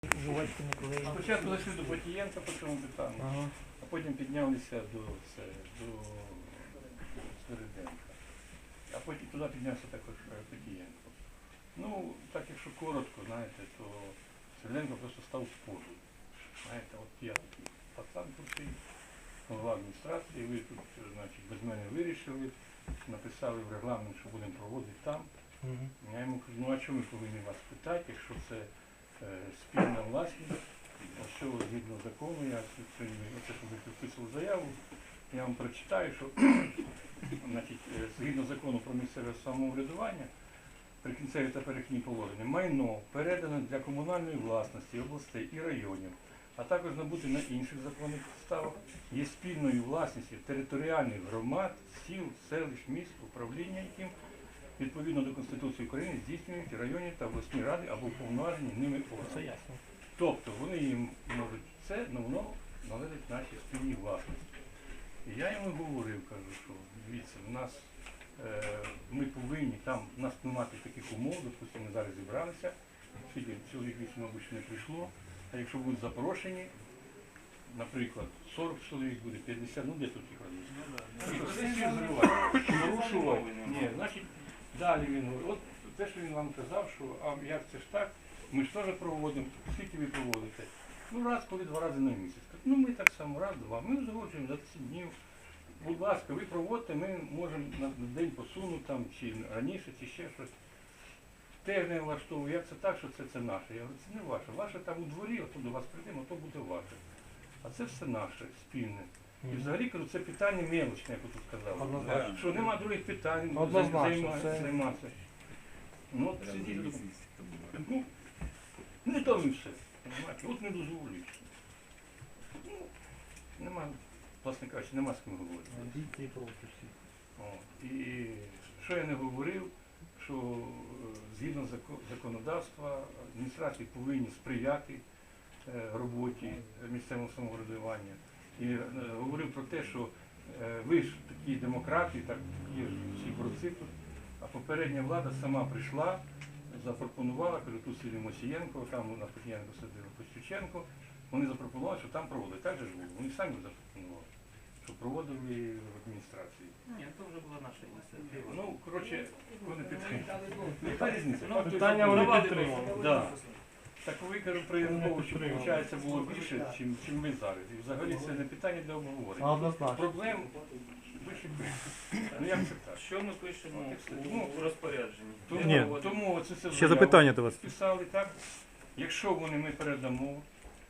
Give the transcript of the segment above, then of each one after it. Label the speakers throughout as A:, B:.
A: жувачки не клеїть.
B: Спочатку зайшли до Потієнка по цьому питанню,
A: Ага.
B: а потім піднялися до Середенка. А потім туди піднявся також Потієнко. Ну, так якщо коротко, знаєте, то Середенко просто став в позу. Знаєте, от я такий пацан тут, голова адміністрації, ви тут, значить, без мене вирішили, написали в регламент, що будемо проводити там.
A: Мгм.
B: Я йому кажу, ну а чому ми повинні вас питати, якщо це спільна власність, що згідно закону, я сьогодні, оце, що ви підписували заяву, я вам прочитаю, що значить, згідно закону про місцеве самоврядування, прикінцеві та перехідні положення, майно передано для комунальної власності областей і районів, а також набути на інших законних підставах, є спільною власністю територіальних громад, сіл, селищ, міст, управління яким відповідно до Конституції України здійснюють районні та обласні ради або уповноважені ними
A: Це
B: органи.
A: ясно.
B: Тобто вони їм можуть це, але воно належить нашій спільній власності. І я йому говорив, кажу, що дивіться, в нас ми повинні, там в нас не мати таких умов, допустимо, ми зараз зібралися, скільки чоловік 8, мабуть, ще не прийшло, а якщо будуть запрошені, наприклад, 40 чоловік буде, 50, ну де тут їх порушував. Ні, значить, далі він говорить, от те, що він вам казав, що а як це ж так, ми ж теж проводимо, скільки ви проводите? Ну раз, коли 2 рази на місяць. Ну ми так само, раз, 2, ми узгоджуємо за 10 днів. Будь ласка, ви проводите, ми можемо на день посунути там, чи раніше, чи ще щось. Теж не влаштовую, як це так, що це наше. Я говорю, це не ваше. Ваше там у дворі, отут до вас прийдемо, то буде ваше. А це все наше, спільне. І взагалі, кажу, це питання мелочне, як ви тут сказали.
A: Однозначно.
B: Що нема других питань,
A: Однозначно, це-
B: займатися. Ну, от сидіть, ну, не то і все. Понимаєте? От не дозволюють. Ну, нема, власне кажучи, нема з ким говорити.
A: Амбіції проти всіх.
B: О, і що я не говорив, що згідно законодавства адміністрації повинні сприяти роботі місцевого самоврядування. І говорив про те, що ви ж такі демократи, так є ж всі борці тут, а попередня влада сама прийшла, запропонувала, кажу, тут сидів Мосієнко, там на Потієнко сидів Костюченко, вони запропонували, що там проводили. Так же ж було, вони самі запропонували, що проводили в адміністрації.
C: Ні, це вже була наша ініціатива.
B: Ну, коротше, вони підтримали. Яка різниця?
C: Ну,
A: питання вони
C: давали
A: підтримали.
C: просто.
B: Да. Так ви, кажу, при Януковичу, виходить, було більше, чим ми зараз. І взагалі це не питання для обговорення.
A: Однозначно.
B: Проблем вище більше. Ну як це так?
C: Що ми пишемо
B: Ну,
C: у розпорядженні?
A: Ні.
B: Тому це все
A: Ще запитання до вас.
B: писали так. Якщо вони ми передамо,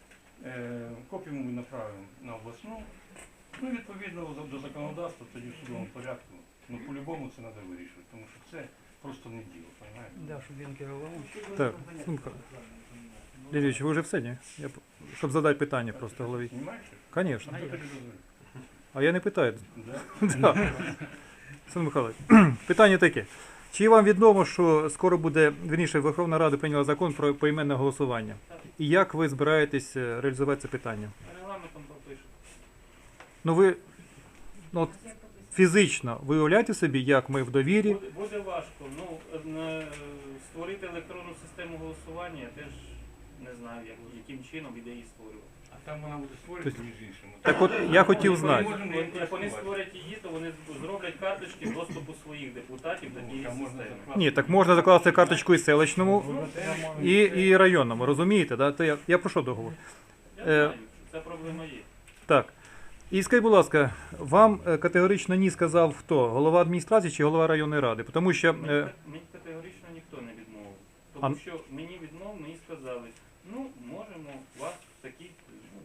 B: копію ми направимо на обласну, ну відповідно до законодавства, тоді в судовому порядку. Ну по-любому це треба вирішувати, тому що це просто не діло, розумієте?
A: Да, щоб він керував.
D: Так, Сумка. Лідійович, ви вже все, ні? Щоб задати питання просто голові.
B: Знімаєш?
D: Звісно.
B: А хто тобі дозволив?
D: А я не питаю.
B: Да?
D: Да. Сан Михайлович, питання таке. Чи вам відомо, що скоро буде, вірніше, Верховна Рада прийняла закон про поіменне голосування? І як ви збираєтесь реалізувати це питання?
C: Регламентом пропишемо.
D: Ну ви, ну, от, фізично, ви уявляєте собі, як ми в довірі?
C: Буде важко. Ну, створити електронну систему голосування, я теж не знаю, яким чином іде її створювати.
B: А там вона буде створювати між іншим.
D: Так от, я хотів знати.
C: Як вони створять її, то вони зроблять карточки доступу своїх депутатів до тієї
B: Там можна
C: системи.
B: закласти.
D: Ні, так можна закласти карточку і селищному, і районному, розумієте? Да? То я про що договор?
C: Я знаю, що ця проблема є.
D: Так. І скажіть, будь ласка, вам категорично ні сказав хто? Голова адміністрації чи голова районної ради? Тому що
C: Мені категорично ніхто не відмовив. Тому що мені мені сказали, ну, можемо вас в такі, ну,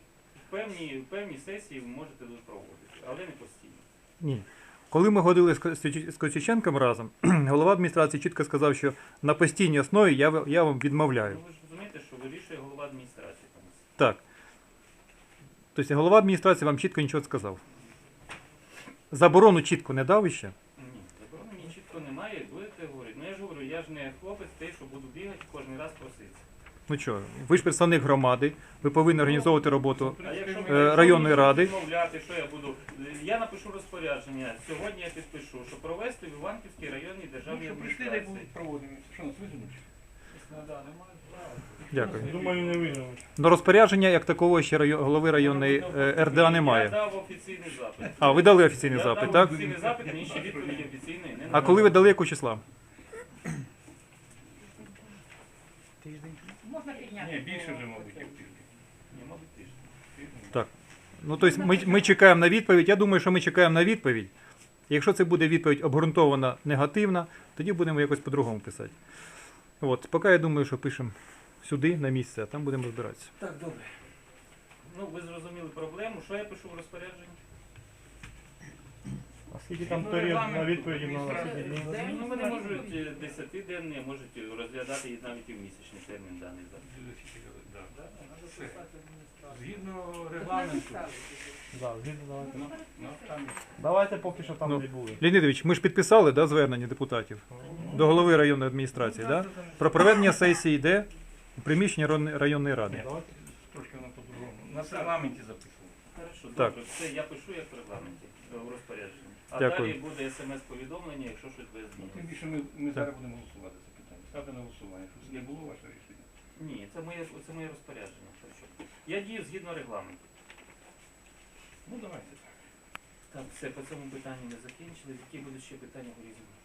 C: в певні сесії ви можете тут проводити, але не постійно.
D: ні. Коли ми ходили з Костюченком разом, голова адміністрації чітко сказав, що на постійній основі я вам відмовляю.
C: Ну, ви ж розумієте, що вирішує голова адміністрації.
D: Так. Тобто голова адміністрації вам чітко нічого не сказав. Заборону чітко не дав іще?
C: Ні, заборони мені чітко немає, будете говорити. Ну я ж говорю, я ж не хлопець той, що буду бігати кожен раз проситися.
D: Ну що, ви ж представник громади, ви повинні організовувати роботу.
C: А якщо
D: Районної ради.
C: відмовляти, що я буду? Я напишу розпорядження, сьогодні я підпишу, що провести в Іванківській районній державній
B: Ну, що прийшли, так
C: адміністрації.
B: будуть проводити. Що нас визовуть?
D: Дякую.
A: Думаю, не виграв.
D: До розпорядження як такого ще голови районної РДА
C: Я
D: немає.
C: дав офіційний запит.
D: А, ви дали офіційний
C: Я
D: запит,
C: дав
D: так?
C: офіційний запит, мені ще відповіді офіційної не
D: А
C: надали.
D: коли ви дали яку числа?
E: Можна підняти.
B: Ні, більше вже, мабуть, як тиждень.
C: Ні, мабуть, тиждень.
D: Так. Ну, тобто ми чекаємо на відповідь. Я думаю, що ми чекаємо на відповідь. Якщо це буде відповідь обґрунтована негативна, тоді будемо якось по-другому писати. От, поки я думаю, що пишемо сюди, на місце, а там будемо розбиратися.
C: Так, добре. Ну, ви зрозуміли проблему. Що я пишу в розпорядженні?
A: А скільки там період на відповіді на вас?
C: Ну, вони можуть 10-денний, можуть розглядати і навіть і в місячний термін даний запит.
B: Згідно регламенту.
A: Да, згідно, давайте.
B: Ну, там
A: Давайте поки що там
D: Ну,
A: не були.
D: Леонідович, ми ж підписали звернення депутатів до голови районної адміністрації, про проведення сесії йде у приміщенні районної ради.
A: Давайте.
B: трошки воно по-другому. На регламенті записано.
C: Хорошо,
D: Так.
C: добре. Все, я пишу як в регламенті, в розпорядженні. А
D: Дякую.
C: далі буде смс-повідомлення, якщо щось буде
B: Ну, тим
C: змінено.
B: більше ми зараз будемо голосувати за питання. Ставте на голосування. Що це не було ваше рішення?
C: Ні, це моє розпорядження. Так що я дію згідно регламенту.
B: Ну давайте.
C: Так, все, по цьому питанню ми закінчили. Які будуть ще питання у різному?